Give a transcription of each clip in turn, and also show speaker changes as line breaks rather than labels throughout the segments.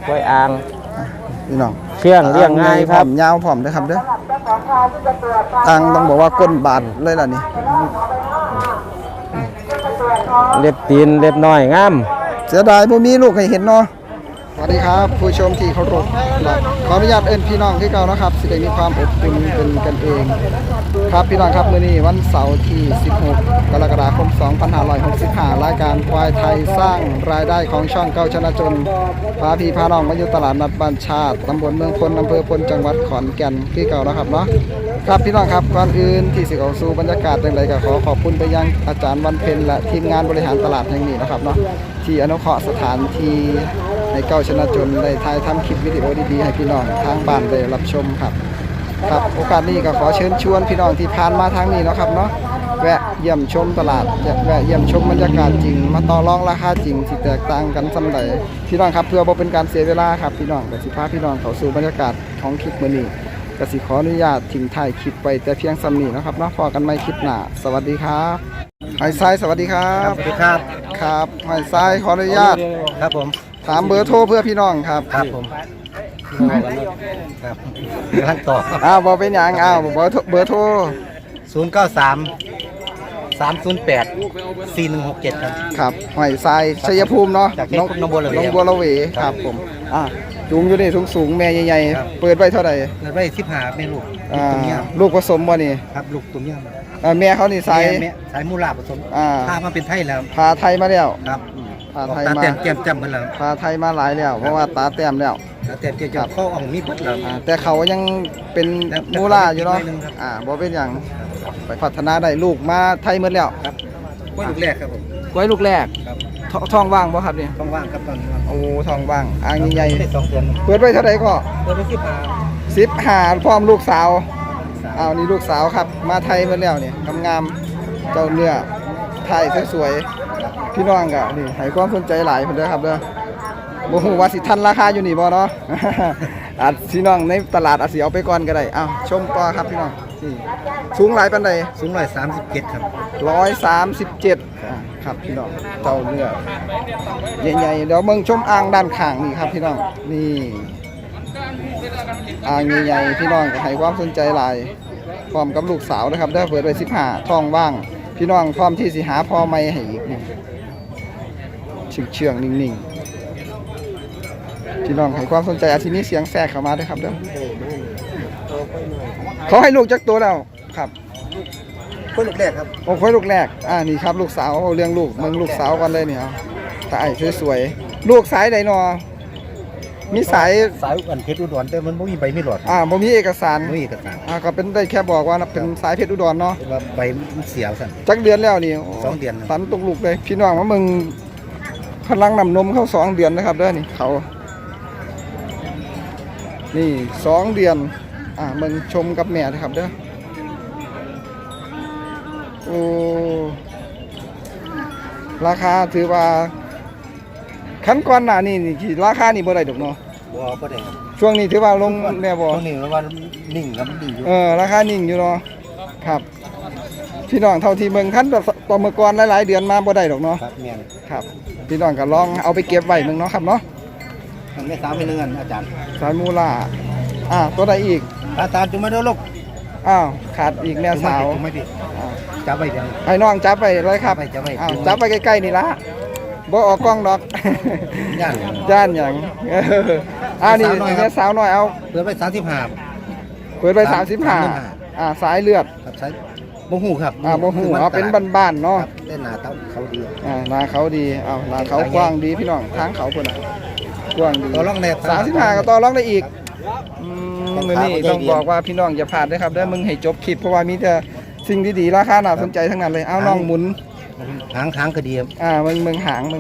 กล้วยอ่าง
พี่น้อง
เชื่องเลี้ยงง่ายครับ
ยาวผอมนะครับเด้ออ่างต้องบอกว่าก้นบาดเลยล่ะนี่
เล็บตีนเล็บน้อยงาม
เสียดายบ่มีลูกให้เห็นเนาะสวัสดีครับผู้ชมที่เคารพขออนุญาตเอิ้นพี่น้องที่เก่านะครับสิได้มีความอบอุ่นเป็นกันเองครับพี่น้องครับมื้อนี้วันเสาร์ที่16กรกฎาคม2565รายการควายไทยสร้างรายได้ของช่องเก้าชนะจนพาพี่พาน้องมาอยู่ตลาดนัดบ้านชาติตำบลเมืองพลอำเภอพลจังหวัดขอนแก่นที่เก่านะครับเนาะครับพี่น้องครับก่อนอื่นที่สิเข้าสู่บรรยากาศจังไดก็ขอบคุณไปยังอาจารย์วันเพ็ญและทีมงานบริหารตลาดแห่งนี้นะครับเนาะที่อนุเคราะห์สถานที่ในเก้าชนะจนได้ถ่ายทำคลิปวิดีโอดีๆให้พี่น้องทางบ้านได้รับชมครับโอกาสนี้ก็ขอเชิญชวนพี่น้องที่ผ่านมาทางนี้นะครับเนาะแวะเยี่ยมชมตลาดแวะเยี่ยมชมบรรยากาศจริงมาต่อรองราคาจริงที่แตกต่างกันส่ำใดพี่น้องครับเพื่อบ่เป็นการเสียเวลาครับพี่น้องก็สิพาพี่น้องเข้าสู่บรรยากาศของคลิปมื้อนี้ก็สิขออนุญาตทิ้งท้ายคลิปไปแต่เพียงส่ำนี้นะครับเนาะพอกันใหม่คลิปหน้าสวัสดีครับหอยทรายสวัสดีครับ
สวัสดีครับ
ครับหอยทรายขออนุญาต
ครับผม
ถามเบอร์โทรเพื่อพี่น้องครับ
ครับผมครับขั้นต่อ
บอกเป็นอย่างเบอร์โทร
093 308 4167ครับ
ครับหอยทรายชัยภูมิเนาะ
จากน้องบัวละเว
น้องบัวละเวครับผมจุงอยู่นี่สูงแม่ใหญ่ๆเปิดไว้เท่าไหร่
เปิดไว้15แม่ลูกตัวเนี้ย
ลูกผสมบ่นี่
ครับลูกตัวเนี้ย
แม่เขานี่ส
ายมูลาผสมพามาเป็นไทยแล้ว
พาไทยมาแล้ว
ครับ
พาไทยมา
แต้มแก้มจำกันแล้ว
พาไทยมาหลายแล้วเพราะว่าตาแต้มแล้ว
ตาแต้มจะเข้าออกมีบัดแล้ว
แต่เขายังเป็นมูลาอยู่เนาะบ่เป็นอย่างไปพัฒนาได้ลูกมาไทยหมดแล้ว
ครับกล้วยลูกแรกครับผม
กล้วยลูกแรก
ครับ
ท้องว่างบ่ครับนี่
ท้องว่างครับตอนนี้
โอ้ท้องว่างอ่างใหญ่
ได้2 เดือน
เปิดไว้เท่าไหร่ก็
เปิดไว้
15พร้อมลูกสาวนี่ลูกสาวครับมาไทยหมดแล้วนี่งามๆเจ้าเนื้อไทยสวยๆพี่น้องก็นี่ให้ความสนใจหลายเพิ่นเด้อครับเด้อบ่ฮู้ว่าสิทันราคาอยู่นี่บ่เนาะพี่น้องในตลาดอาจสิเอาไปก่อนก็ได้ชมต่อครับพี่น้องนี่สูงหลายปานใด
สูง137ครับ
137ครับพี่น้องเจ้าเนื้อใหญ่ๆเดี๋ยวเบิ่งชมอ่างด้านข้างนี่ครับพี่น้องนี่อ่างใหญ่ๆพี่น้องก็ให้ความสนใจหลายพร้อมกับลูกสาวนะครับเด้อเปิดไว้15ท้องว่างพี่น้องพร้อมที่สิหาพ่อใหม่ให้อีกนี่เชื่องๆนิ่งๆพี่น้องให้ความสนใจอาทินี้เสียงแทรกเข้ามาด้วยครับเด้อเขาให้ลูกจักตัวแล้วครับ
กล้วยลูกแรกครับ
โอ้กล้วยลูกแรกนี่ครับลูกสาวเอาเลี้ยงลูกมึงลูกสาวกันเลยเนี่ยตาไอ้สวยๆลูกสายใดนอมีสาย
อันเพชรอุดรแต่มันบ่มีใบมีหลอด
บ่มีเอกสารก็เป็นได้แค่บอกว่าเป็นสายเพชรอุดรเนาะ
ว่าใบมันเสียสั่น
จักเดือนแล้วนี่
2 เดือน
สันตกลูกเลยพี่น้องว่ามึงพลังนำนมเข้า2 เดือนนะครับเด้อนี่เขานี่2 เดือนมึงชมกับแม่นะครับเด้อโอ้ราคาถือว่าขั้นก่อนหน้านี่ราคานี่บ่ได้ดอกเนาะ
บ่ได้
ช่วงนี้ถือว่าลงแน่บ่
ช่วงนี้ว่านิ่งครับนิ่งอยู่
ราคานิ่งอยู่เนาะครับพี่น้องเท่าที่เมืองคันต่อเมื่อก่อนหลายๆเดือนมาบ่ได้ดอกเนาะ
ครับแม่น
ครับพี่น้องก็ลองเอาไปเก็บไว้เมืองเนาะครับเนาะ
แม่สาวเป็นเงินอาจารย์
สายมูล่าตัวใดอีก
อาจารย์จุ่มมาเด้อลูก
ขาดอีกแม่สาว
จับไว้เดี๋ยว
ให้น้องจับไปเลยครับจับไปใกล้ๆนี่ละบ่ออกกล้องดอก
ย่าน
อย่างนี่แม่สาวน้อยเอา
เปิดไป
35เปิดไป35สายเลือด
ครับสายบ่ฮู้ครับ
บ่ฮู้เป็นบ้านๆเนาะ
แต่หน้าเขาดี
หน้าเขาดีหน้าเขากว้างดีพี่น้องทางเขาพุ่นกว้างดี
ต่อรองได้
35ก็ต่อรองได้อีกมื้อนี้ต้องบอกว่าพี่น้องอย่าพลาดเด้อครับเด้อมึงให้จบคลิปเพราะว่ามีแต่สิ่งดีๆราคาน่าสนใจทั้งนั้นเลยเอาน้องหมุน
หางก็ดี
มึงหาง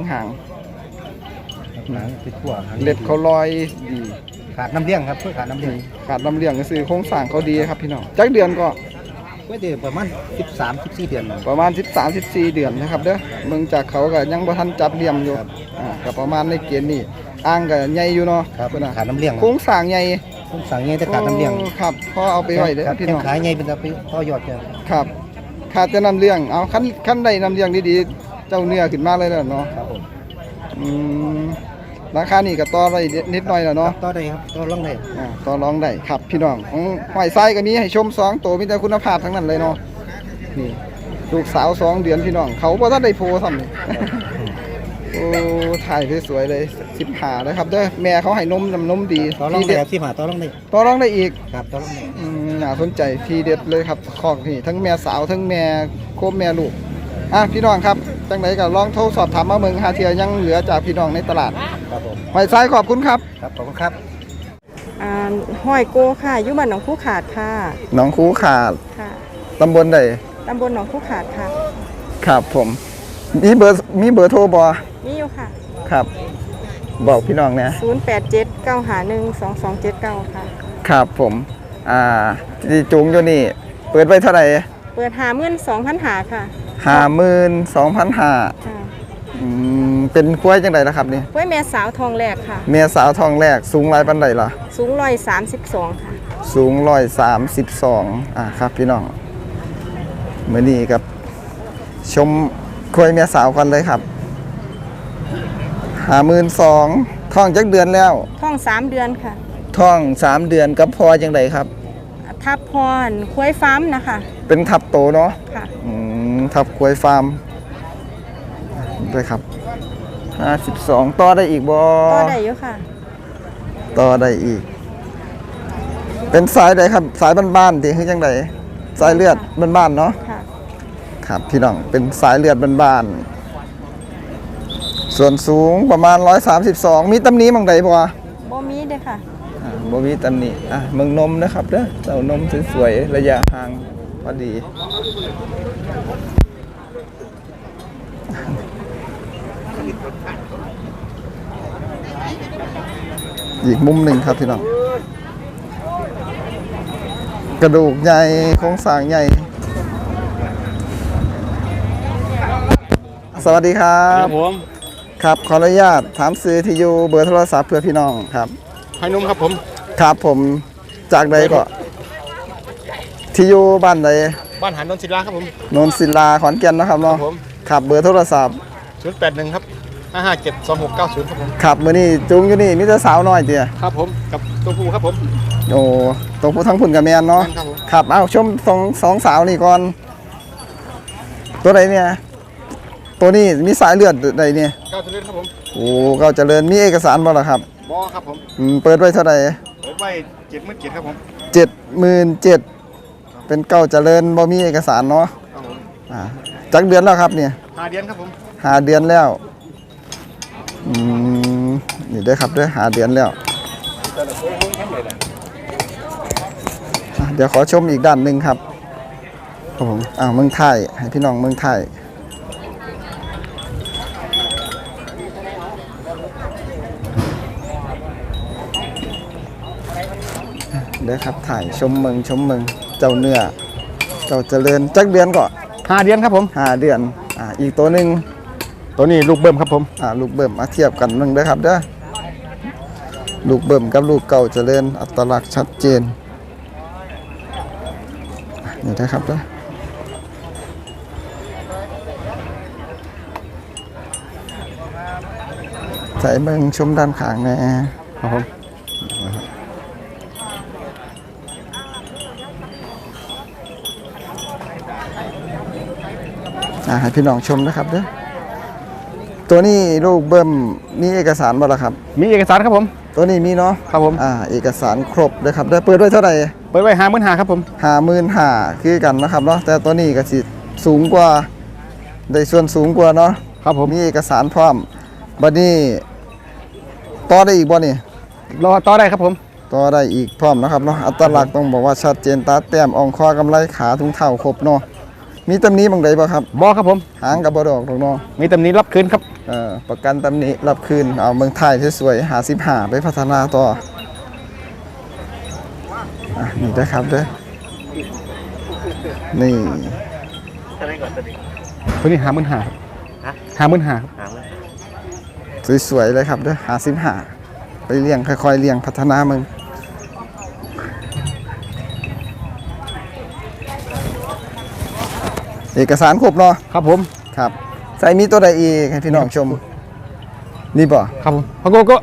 ไปทั่ว
เล็บเขาลอยดี
ขาดน้ำเลี้ยงครับเพื่อขาดน้ำเลี้ยง
ก็คือโครงสร้างเขาดีครับพี่น้องจักเดือนก็
เดือนประมาณ13-14 เดือน
ประมาณ13-14 เดือนนะครับเด้อมึงจากเขาก็ยังบ่ทันจับเหลี่ยมอยู่ก็ประมาณในเกณฑ์นี้อ่างก็ใหญ่อยู่เนาะ
ขาดน้ำเลี้ยง
โครงสร้างใหญ่
แต่ขาดน้ำเลี้ยง
ครับพอเอาไปไว้เด้อพี่น้อง
ขายใหญ่เป็นจะไปต่อยอด
ครับขาดแต่น้ำเลี้ยงเอาคันได้น้ำเลี้ยงดีๆเจ้าเนื้อขึ้นมาเลยเนาะ
ครับผม
ราคานี่ก็ต่อได้นิดหน่อยแล้วเนาะ
ต่อได้ครับต่อรองได้
ต่อรองได้ครับพี่น้องของหอยไส้ก็มีให้ชม2ตัวมีแต่คุณภาพทั้งนั้นเลยเนาะนี่ลูกสาว2 เดือนพี่น้องเขาบ่ทันได้โพซ้ำนี่ โอ้ถ่ายสวยๆเลย15เลยครับเด้อแม่เขาให้นมน้ำนมดี
ต่อรอง
ที
ได้
เด็ด
ครับที่หาต่อรองได้
ต่อรองได้อีก
ครับต่อรองได้
น่าสนใจทีเด็ดเลยครับคอกนี่ทั้งแม่สาวทั้งแม่โคมแม่ลูกพี่น้องครับจังไหนก็ลองโทรสอบถามมาเมืองหาเทียยังเหลือจากพี่น้องในตลาด
ครับผม
หอยซ้ายขอบคุณครับ
ครับขอบคุณครับ
ห้อยโกค่ะอยู่บ้านหนองคู่ขาดค่ะ
หน้องคูขาด
ค่ะ
ตำบลใด
ตำบลหนองคู่ขาดค่ะ
ครับผมมีเบอร์โทรบ่
นี่อยู่ค่ะ
ครับ บอกพี่น้องนะ
0879512279 ค่ะ
ครับผมที่จุงอยู่นี่เปิดไว้เท่าไหร่
เปิด52,000หาค่ะ
52,500
ค่ะ
เป็นกล้วยจังไดล่ะครับนี่
ไว้แม่สาวทองแรกค่ะ
เมียสาวทองแรกสูงหลายปานใดล่ะ
สูง132ค่ะ
สูง132ครับพี่น้องมื้อนี้กับชมกล้วยเมียสาวกันเลยครับ52,000ท้องจักเดือนแล้ว
ท้อง3เดือนค่ะ
ท้อง3 เดือนกับพอจังไดครับ
ทับพรคุ้ยฟาร์มนะคะ
เป็นทับโตเนาะ
ค่ะ
ทับกล้วยฟาร์มด้วยครับ52ต่อได้อีกบ่
ก็ได้อยู่ค่ะ
ต่อได้อีก เป็นสายใดครับ สายบ้านๆที่คือจังไดสายเลือดบ้านๆเนาะ
ค่ะ
ครับพี่น้องเป็นสายเลือดบ้านๆส่วนสูงประมาณ132มีตำหนิหม่องใดบ่
บ่มีเด้อค่ะ
บ่มีตำหนิเมืองนมนะครับเด้อเต้านมสวยๆระยะห่างพอดีอีกมุมหนึ่งครับพี่น้องกระดูกใหญ่โครงสร้างใหญ่สวัสดีครับ
ผม
ครับขออนุญาตถามซื้อที่อยู่เบอร์โทรศัพท์เพื่อพี่น้องครับ
ให้นุ่มครับผม
ครับผมจากใดก็ที่อยู่บ้านใด
บ้านหันนนศิลาครับผม
โนนศิลาขอนแก่นนะครับ
ครั
เนาะ
บผม
ครับเบอร์โทรศัพท์
081ครับ5572690ครับผม
ครับมื้อนี้จุงอยู่นี่มีแต่สาวน้อยเตี้ย
ครับผมกับตัวผู้ครับผม
โอ้ตัวผู้ทั้งพุ่นกับแม่นเนาะ
แม่นครับผม
ครับเอาชมสองสาวนี่ก่อนตัวใดเนี่ยตัวนี้มีสายเลือดใดเนี่ย
ก้าวเจริญครับผม
โอ้เก้าเจริญมีเอกสารบ่ล่ะครับ
บอครับผม
เปิดไว้เท่าไหร่
เปิดไว้70,000ครับผม
77,000เป็นเก้าเจริญบ่มีเอกสารเนาะ
ครับผม
จักเดือนแล้วครับเนี่ย
5 เดือนครับผม
5 เดือนแล้วนี่เด้อครับเด้อ5 เดือนแล้วเดี๋ยวขอชมอีกด้านหนึ่งครับครับผมเมืองไทยให้พี่น้องเมืองไทยเด้อครับถ่ายชมเมืองเจ้าเนื้อเจ้าเจริญจักเดือนก่อน
5 เดือนครับผม
5 เดือนอีกตัวหนึ่ง
ตัวนี้ลูกเบิ่มครับผม
ลูกเบิ่มมาเทียบกันนึงเด้อครับเด้อลูกเบิ่มกับลูกเก่าเจริญอัตลักษณ์ชัดเจนนี่นะครับเด้อใส่เบิ่งชมด้านข้างแน่ครับผมให้พี่น้องชมนะครับเด้อตัวนี้ลูกเบิ่มมีเอกสารบ่ล่ะครับ
มีเอกสารครับผม
ตัวนี้มีเนาะ
ครับผม
เอกสารครบเลยครับได้เปิดไว้เท่าไหร่
เปิดไว้55,000ครับผม
55,000คือกันนะครับเนาะแต่ตัวนี้ก็สิสูงกว่าได้ส่วนสูงกว่าเนาะ
ครับผม
มีเอกสารพร้อมบัดนี้ต่อได้อีกบ่นี่
รอต่อได้ครับผม
ต่อได้อีกพร้อมนะครับเนาะอัตลักษณ์ต้องบอกว่าชัดเจนตาแต้มอ่องคอกำไลขาถุงเท้าครบเนาะมีตำหนิบางใดบ่ครับ
บอครับผม
หางกับบ่ดอกดอกเนาะ
มีตำหนิรับคืนครับ
ประกันตำหนิรับคืนเอาเมืองไทยสวยๆ55ไปพัฒนาต่อนี่นะครับเด้อนี่
ตัวนี้55,000ครับ55,000ครับ
สวยๆเลยครับเด้อ55ไปเลี้ยงค่อยๆเลี้ยงพัฒนามึงเอกสารครบเนาะ
ครับผม
ครับใส่มีตัวใดอีกให้พี่น้องชมนี่บ่
ครับผมพะโกโก้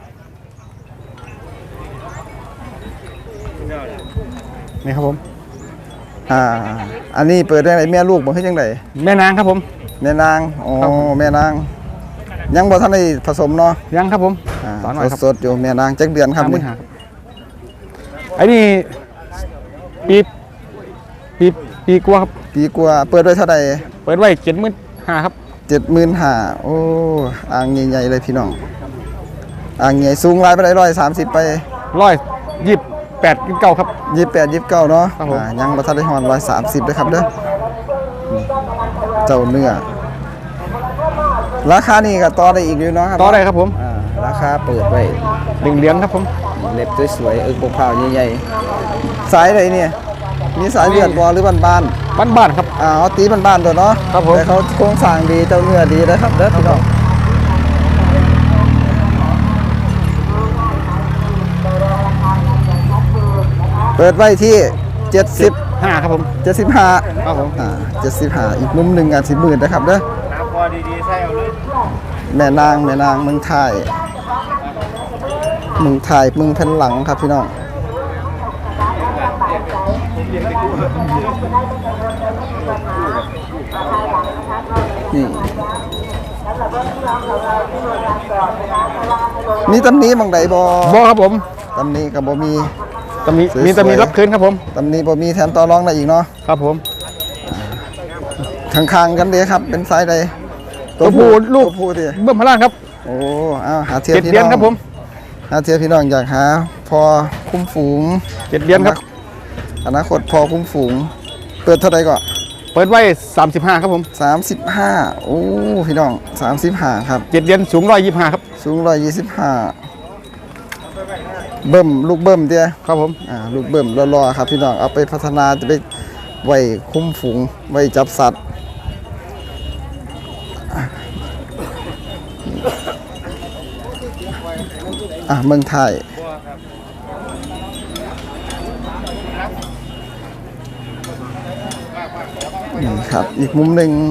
นี่ครับผม
อันนี้เปิดได้ไหนแม่ลูกบ่ให้จังได
แม่นางครับผม
แม่นางอ๋อ
ครับผม
แม่นางยังบ่ทันได้ผสมเนาะ
ยังครับผมสอนหน่อยครับ
สดๆอยู่แม่นางจักเดือนครับนี่
50,000ครับไอ้นี่ปีปีกว่าครับ
ปีกว่าเปิดไว้เท่าใด
เปิดไว้75,000ครับ
75,000โอ้อ่างใหญ่ๆเลยพี่น้องอ่างใหญ่สูงหลายไปได้130ไป
128 29ครับ
28 29เนาะ
ครับผม
ยังบ่ทันได้ฮอด130เด้อครับเด้อเจ้าเนื้อราคานี่ก็ต่อได้อีกอยู่เนาะครับ
ต่อได้ครับผม
ราคาเปิดไว้
เหรียญครับผม
เล็บสวยๆบกเผาใหญ่ๆสายอะไรเนี่ยมีสายเลือดบอหรือบ้าน
บ้านๆครับ
เอาตีบ้านๆตัวเนาะ
ครับผม
แต่เขาโครงสร้างดีเจ้าเนื้อดีนะครับเด้อพี่น้องเปิดไว้ที่70
5ครับผม
75
ครับผม
75อีกมุมหนึ่งกัน10,000นะครับเด้อแม่นางเมืองไทยเมืองแผ่นหลังครับพี่น้องนี่มีตำหนี้บางใดบ่
บ่ครับผม
ตำหนี้กับบ่มี
มีแต่มีรับคืนครับผม
ตำหนี้บ่มีแถมต่อรองได้อีกเนาะ
ครับผม
ข้างๆกันเด้ครับเป็นสายใด
ตัวผู้ลูก
ตัวผู้ดิ
เบิ่มพลานครับ
โอ้เอาหาเทียบ
7
พี่
เดือ
น้
น
อง
ครับผม
หาเทียบพี่น้องอยากหาพอคุ้มฝูง
7 เดือนครับ
อนาคตพอคุ้มฝูงเปิดเท่าไหร่ก็
เปิดไว้35ครับผม
35โอ้พี่น้อง35ครับ
7 เดือนสูง125ครับ
สูง125เบิ่มลูกเบิ่มเด้อ
ครับผม
ลูกเบิ่มรอๆครับพี่น้องเอาไปพัฒนาจะไปไว้คุ้มฝูงไว้จับสัตว์เมืองไทยนี่ครับอีกมุมหนึ่ง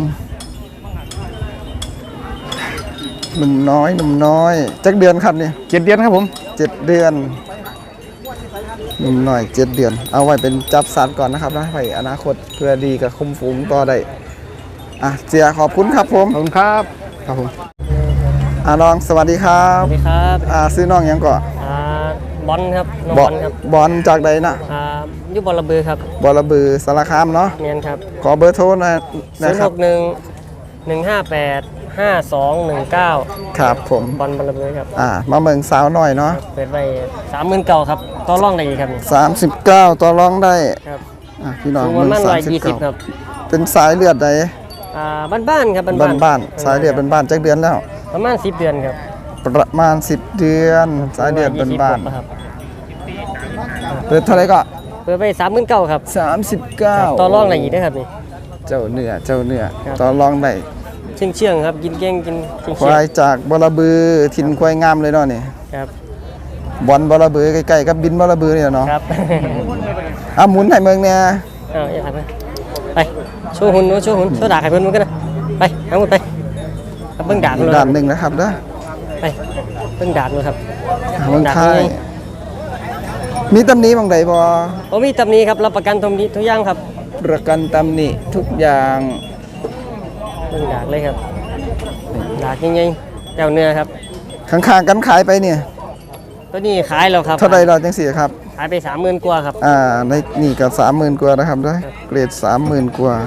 หนุ่มน้อยจักเดือนครับนี่
7 เดือนครับผม
7 เดือนหนุ่มน้อย7 เดือน เอาไว้เป็นจับสัตว์ก่อนนะครับนะไปอนาคตเพื่อดีกับคุมฝูงต่อได้เสียขอบคุณครับผม
ขอบคุณครับครับผม
น้องสวัสดีครับ
สวัสดีครับ
ซื้อน้องหยังก่อน
บอลครับน้องบอลครับ
บอลจากใดนะ
อยู่บอลระเบือครับ
บอลระบือสารคามเนาะ
เมียนครับ
ขอเบอร์โทรหนะครั
061 158 5219
ครับผม
บอลบอลระเบือครับ
มาเมืองสาวหน่อยเนาะ
เปิดไป30,000เก่าครับต่อร่องได้อีกครับนี่
39ต่อรองได้
ครับ
พี่น้อง
สูงป
เมือ
ระ
ง
มาณ120
39
ครับ
เป็นสายเลือดใด
บ้านๆครับ
บ้านๆสายเลือดบ้านๆจักเดือนแล้ว
ประมาณ10 เดือนครับ
ประมาณ10 เดือนสายเลือดบ้าน
120ครับ
ๆเปิดเท่าไหร่ก็
เปิดไป30,000เก่าครับ
39
ต่อร่องได้อีกนะครับนี่
เจ้าเนื้อ
ครับ
ต่อรองได้
เชื่องๆครับกินเก่งกินเชื่
ควายจากบลบือถิ่นควายงามเลยเนาะนี่
ครับ
บอลบลบือใกล้ๆกับบินบลบือเนี่ยเนาะ
ครับ
หมุนให้เมืองเนี่ย
อย่าหันไปโชว์หุ่นโชว์ดาบให้เพื่อนมันกันนะไปทั้งหมดไปเบิ่งดาบเลย
ด้านหนึ่งนะครับเด้อ
ไปเบิ่งดาบเลยครับ
เมืองไทย
ดาบนี่
มีตำหนิบางใดบ่
ผมมีตำหนี้ครับรับประกันตำหนี้ทุกอย่างครับ
ประกันตำหนิทุกอย่าง
เบิ่งดาบเลยครับดาบยังไงแก้วเนื้อครับ
ข้างๆกันขายไปเนี่ย
ตัวนี้ขายแล้วครับ
เท่าใดเราจังสี่ครับ
ขายไป30,000กว่าครับ
ในนี่ก็30,000 กว่านะครับเด้อเกรด 30,000 กว่า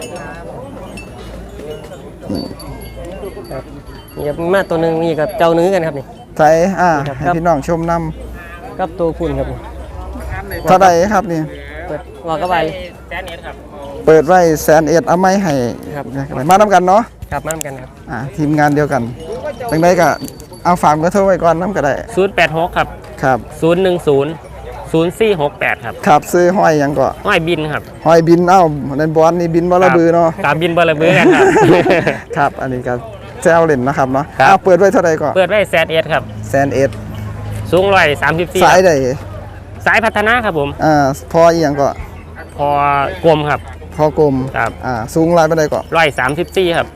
นี่ครับมาตัวหนึงนี่กับเจ้าเนื้อกันครับนี่
ไทย
ครับ
ให้พี่น้องชมน
กับตัวคุณครับนี่
ำเท่าใดครับนี่
เปิดว่าก็ไป
เปิดไว้100,000เอาไม้ให้
ครับ
มานํกันเนาะ
ครับมาทำกันครับ
ทีมงานเดียวกันจังไดก็เอาฝากเบอร์โทรไว้ก่อนนํก็ได้
086ครับ
ครับ
010 0468ครับ
ครับซื้อห้อยหยังก็
ห้อยบินครับ
ห้อยบินนั่นบอลนี่บินบ่ระบือเนาะ
ตามบินบอลเบือกันครับ
ครับอันนี้ก็แซวเล่นนะครับเนาะ
ครับ
เปิดไว้เท่าใดก็
เปิดไว้100,000ครับ
100,000
สูง134
สายใด
สายพัฒนาครับผม
พออีหยังก็
พอกลมครับ
พพ่อกลม
ครับ
สูงหลายปานใดก็
134ครับ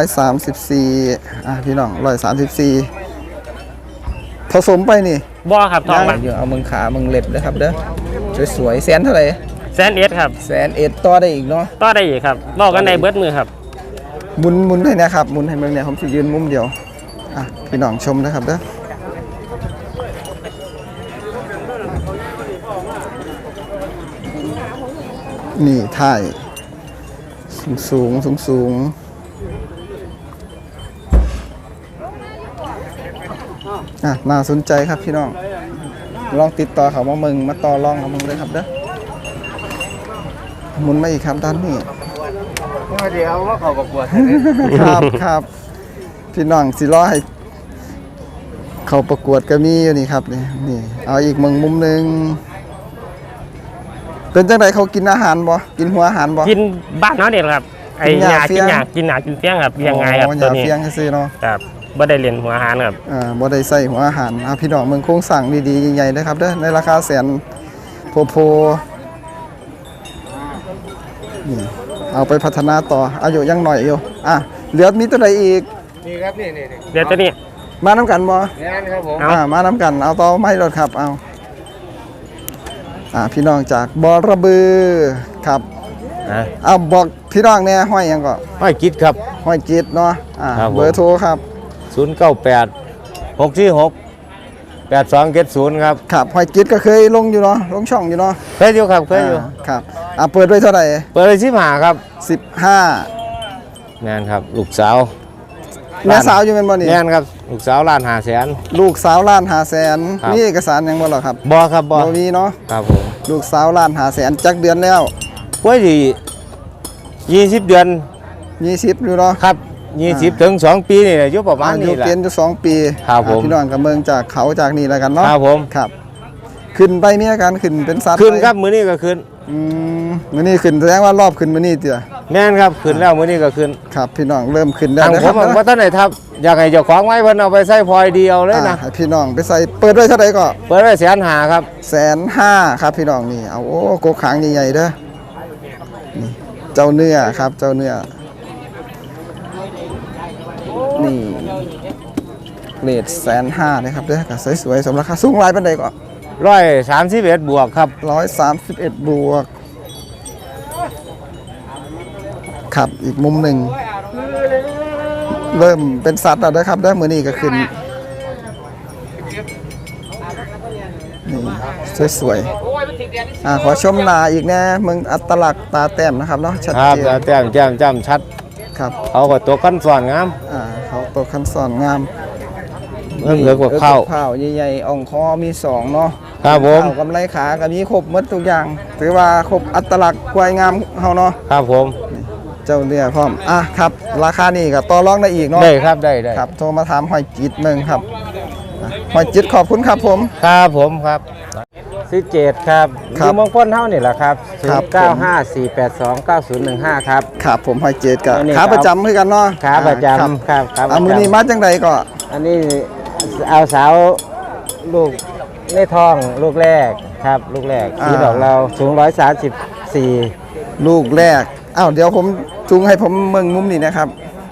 134พี่น้อง134ผสมไปนี่
บ่ครับทองมัน
อยู่เอามึงขามึงเล็บเด้อครับเด้อสวยๆแสนเท่าไหร่
1,000,000ครับ
1,000,000ต่อได้อีกเนาะ
ต่อได้อีกครับบอกกันได้เบิดมือครับ
หมุนให้นะครับหมุนให้เบิ่งเนี่ยผมสิยืนมุมเดียวพี่น้องชมนะครับเด้อนี่ถ่ายสูงน่าสนใจครับพี่น้องลองติดต่อเขามามึงมาต่อรองกับมึงเลยครับเด้อหมุนมาอีกครับด้านนี้
เดี๋ยวว่าเขาประกวด
ครับพี่น้องสิรอให้เขาประกวดก็มีอยู่นี่ครับนี่เอาอีกมุมหนึงเป็นจังไดเขากินอาหารบ่กินหัวอาหารบ่
กินบ้านเฮาเนี่ยครับไอ้หญ้ากินหญ้ากินหญ้ากินเฟี้ยงครับเลี้ยงง่ายครับตัวนี้
เฟียงซื่อเนาะ
ครับบ่ได้เรียนหัวอาหารครับ
บ่ได้ใส่หัวอาหารพี่น้องเมืองโครงสร้างดีๆใหญ่ๆนะครับเด้อในราคาแสนโพนี่เอาไปพัฒนาต่ออายุยังหน่อยอยู่เหลือมีตัวใดอีก
นี่ครับนี่
เดี๋ยวตัวนี้
มาน้ำกันบ่
นี่ครับผม
มาน้ำกันเอาต่อไม่รถครับเอาพี่น้องจากบอระบือครับเอาบอกพี่น้องเนี่ยห้อยยังก็
ห้อยกิดครับ
ห้อยจิตเนาะ
ครับผม
เบอร์โทรครับ
098 646 8270ครับ
ครับห้อยจิตก็เคยลงอยู่เนาะลงช่องอยู่เนาะ
เคยอยู่ครับเคยอยู่
ครับเปิดไว้เท่าไหร่
เปิดเลย15ครับ
15
แม่นครับลูกสาว
แม่สาวอยู่เป็นบ่นี่
แม่นครับลูกสาว1,500,000
ลูกสาว1,500,000
ครับ
มีเอกสารยังบ่หรอครับ
บ่ครับบ่
มีเนาะ
ครับผม
ลูกสาว1,500,000จักเดือนแล้ว
ป่วยที่20 เดือน
20อยู่เนาะ
ครับ20 ถึง 2 ปีนี่แหละอยู่ประมาณ
อายุ
นี้แหละ
เกณฑ์อยู่2 ปี
ครับผม
พี่น้องกับเมืองจากเขาจากนี่แล้วกันเนาะ
ครับผม
ครับขึ้นไปมีอาการขึ้นเป็นสัตว์
ขึ้น
ไป
ครับมื้อนี้ก็ขึ้น
มื้อนี้ขึ้นแสดงว่ารอบขึ้นมื้อนี้เตี้ย
แม่นครับขึ้นแล้วมื้อนี้ก็ขึ้น
ครับพี่น้องเริ่มขึ้นแล้ว
ทาง
นะ
ผ
ครั
ม
บ
ว่าท่านไหนทับอยากให้เจ้าของไว้เพิ่นเอาไปใส่พลอยเดียวเลยนะ
ให้พี่น้องไปใส่เปิดไว้เท่าไหร่ก็
เปิดไว้150,000ครับ
150,000ครับพี่น้องนี่เอาโอ้กกหางใหญ่ๆเด้อนี่เจ้าเนื้อครับเจ้าเนื้อนี่เรท150,000นะครับเด้อก็สวยๆสมราคาสูงหลายปานใดก็
131 บวกครับ
131 บวกครับอีกมุมหนึ่งเริ่มเป็นสัตว์แล้วนะครับได้มือนี้ก็ขึ้นนี่สวยๆขอชมหนาอีกแน่มึงอัตลักษณ์ตาแต้มนะครับเนาะชัด
ครับ
เจน
แต้มแจ่มจำชัด
ครับ
เขาก็ตัวขั้นสอนงาม
เขาตัวคันสอนงาม
เริ่มเหลือกว่าเข้า
ข้าวใหญ่ๆอ่องคอมี2เนาะ
ครับผม
ข้าวกำไรขาก็มีครบหมดทุกอย่างถือว่าครบอัตลักษณ์ควายงามเฮาเนาะ
ครับผม
เจ้าเนี่ยพร้อมครับราคานี่ก็ต่อรองได้อีกเนาะ
ได้ครับได้
ครับโทรมาถามหอยจิตเมืองครับหอยจิตขอบคุณครับผม
ครับผมครับ17ครับ
ครับ
อยู่เมืองพ้นเท่านี่แหละครับ
ครับ
0954829015ครับ
ครับผมหอยจิตกับ
อันนี้
ขาประจำคือกันเนาะ
ขาประจ
ครับ
ำครับขาประ
เอามือนี้
จำ
มาจังใดก็
อันนี้เอาสาวลูกในท้องลูกแรกครับลูกแรกสีดอกเราสูง134
ลูกแรกเดี๋ยวผมจูงให้ผมเมืองมุมนี้นะครับ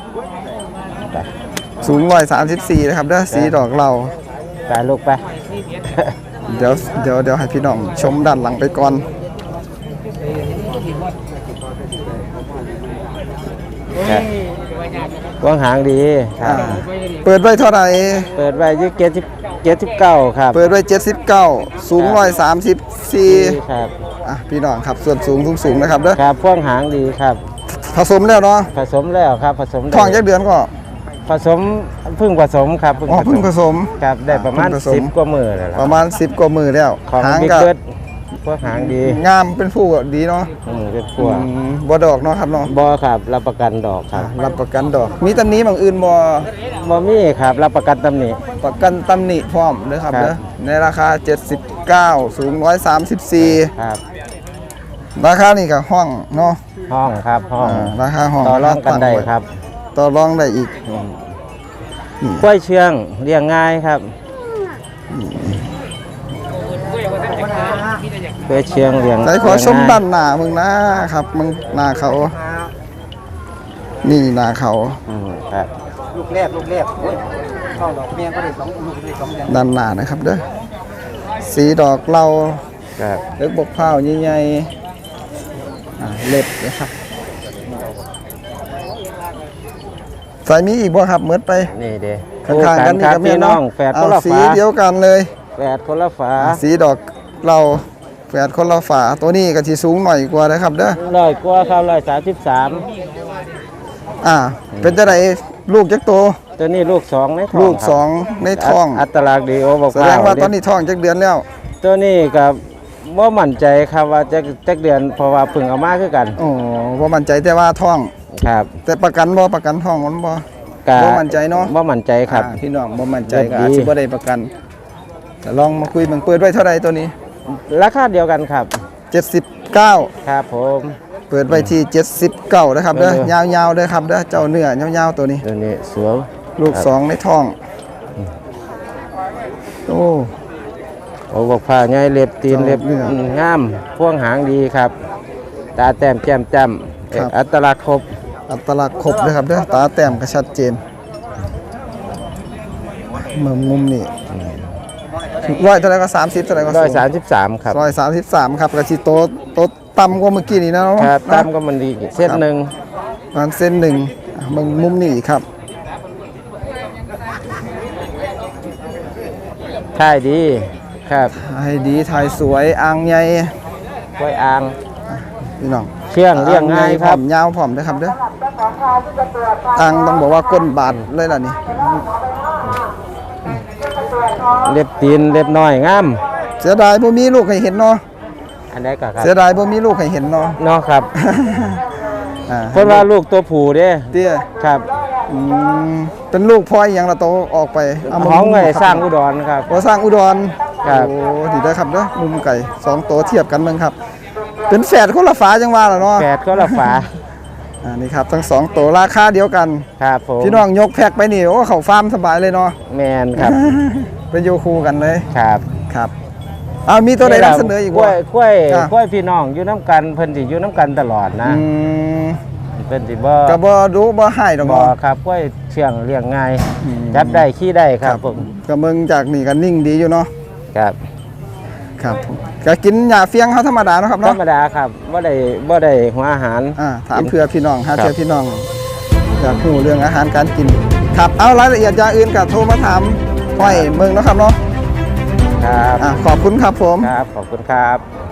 สูง134นะครับเด้อสีดอกเรา
ตายลูกไป
เดี๋ยวให้พี่น้องชมด้านหลังไปก่อน
กวางหางดีครับ
เปิดไว้เท่าไหร่
เปิดไว้ที่79ครับ
เปิดไว้79สูง134
ครับ
พี่น้องครับส่วนสูงนะครับเด้อ
ครับกวางหางดีครับ
ผสมแล้วเนาะ
ผสมแล้วครับผสมได้
ท้องจักเดือนก็
ผสมเพิ่งผสมครับ
เพิ่งผสม
ครับได้ประมาณ
เพิ่งผสม
10 กว่ามือแล้ว
ประมาณ10 กว่ามือแล้ว
ของ
หาง
บิ๊ก
ก็
เกิดกวางหางดี
งามเป็นผู้ดีเนาะ
เป็นพวก
บ่ดอกเนาะครับเนาะ
บ่ครับรับประกันดอกครับ
รับประกันดอก มีตำหนิบางอื่นบ่
บ่มีครับรับประกันตำหนิ
ประกันตำหนิพร้อมเด้อครับ
ครับ
เด้อในราคา79สูง134
ครับ
ราคานี่ก็ห้องเนาะ
ห้องครับห้อง
ราคาห้อง
ต่อรองกันได้ครับ
ต่อรองได้อีก
กล้วยเชื่องเลี้ยงง่ายครับเพื่อเชียงเลี้ยง
ใจขอชมด้านหน้ามึงนะครับมึงหน้าเขานี่หน้าเขา
ครับ
ลูกแรกเข้าดอกเมียก็ได้2ลูกได้2เดือน
ด้านหน้านะครับเด้อสีดอกเหลา
ครับ
เล็กบกเผาใหญ่ๆเล็บนะครับใส่มีอีกบ่ครับเมิดไป
นี่เด้
ข้างๆกันนี่
ครั
ก็
บ
มี
พี่น้
เนาะ
องแฝดค
เอา
นละ
สี
ฝา
เดียวกันเลย
แฝดคนละฝา
สีดอกเราแฝดคนละฝาตัวนี้ก็สิสูงหน่อยกว่านะครับเด้อ
100กว่าครับ133
เป็นจังไดลูกจักโต
ตัวนี้ลูก2ในท้อง
ลูก
ครับ
สองในท้อง
อัตลักษณ์ดีโอบอก
แสดงว่าตอนนี้ท้องจักเดือนแล้ว
ตัวนี้กับบ่มั่นใจครับว่าจักเดือนเพราะว่าเพิ่งเอามาคือกัน
โอ้บ่มั่นใจแต่ว่าท้อง
ครับ
แต่ประกันท้องมันบ่
ก็
บ่มั่นใจเนาะ
บ่มั่นใจครับ
พี่น้องบ่มั่นใจก็
ดี
อาจสิบ่ได้ประกันแต่ลองมาคุยเบิ่งเปิดไว้เท่าใดตัวนี้
ราคาเดียวกันครับ
79
ครับผม
เปิดไว้ที่79นะครับเด้อยาวๆเด้อครับเด้อเจ้าเนื้อยาวๆตัวนี้
ตัวนี้สวย
ลูกสองในท้องโอ้
โอ้บอกผ้าใหญ่เล็บตีน
เจ้า
เล็บ
เนื้อ
งามพ่วงหางดีครับ ตาแต้มแจ่มจ้ำ
ครับ
อัตลักษณ์ครบ
อัตลักษณ์ครบเลยครับเด้อตาแต้มก็ชัดเจนมุมนี่ร้อยเท่าไหร่ก็30เท่าไหร่ก็
133ครับ
133ครับก็สิโตต่ำกว่าเมื่อกี้นี่นะเนาะ
ครับตามก็มันดีเส้นหนึ่ง
ประมาณเส้นหนึ่งมึงมุมนี่ครับ
ท่ายดีครับ
ให้ดีถ่ายสวยอ่างใหญ่
กล้วยอ่าง
พี่น้อง
เชื่องเลี้ยงง่ายครับ
อ่งใหญ่ผอมยาวผอมเด้อครับเด้ออ่างต้องบอกว่าก้นบาดเลยล่ะนี่
เล็บตีนเล็บน้อยงาม
เสียดายบ่มีลูกให้เห็นเนาะ
อันนี้ก็ครับ
เสียดายบ่มีลูกให้เห็นเนาะ
เนาะครับ
อ่า
เพิ่นว่าลูกตัวผู้เด้
เตี้ย
ครับ
อืมเป็นลูกพ่ออีหยังละโตออกไปเามา
ของไง
มุม
สร้างอุดรครับ
บ่สร้างอุดร
ครับ
โอ้ดีได้อครับเด้อมุมไก่2ตัวเทียบกันเบิ่งครับ เป็นแฝดคนละฝาจังว่าล่ะเนาะ
แปดก็ละฝา
นี่ครับทั้ง2ตัวราคาเดียวกัน
ครับผม
พี่น้องยกแพ็คไปนี่โอ้เข้าฟาร์มสบายเลยเนาะ
แมนครับ
เป็นอยู่คู่กันเลย
ครับ
ครับเอามีตัวใดนำเสนออีก
กล้
บ่
วยกล้วย
จ้ะ
กล้วยพี่น้องอยู่น้ำกันเพิ่นสิอยู่น้ำกันตลอดนะ
อืม
เพิ่นสิบ่
ก็บ่ดูบ่ให้ดอก
บ่
เนาะ
ครับกล้วยเชื่องเลี้ยงง่าย
อืม
จับได้ขี้ได้ครับผม
ก็เบิ่งจากนี่ก็นิ่งดีอยู่เนาะ
ครับ
ครับผมก็กินหญ้าเฟียงเฮาธรรมดาเนาะครับ
ธร
เนาะ
รมดาครับบ่ได้หัวอาหาร
ถามเพื่อพี่น้องหา
ครับ
เพื่อพี่น้องอยากรู้เรื่องอาหารการกิน ครับเอารายละเอียดอย่างอื่นก็โทรมาถามห้อยเมืองเนาะครับเนาะ
ครับ
ขอบคุณครับผม
ครับขอบคุณครับ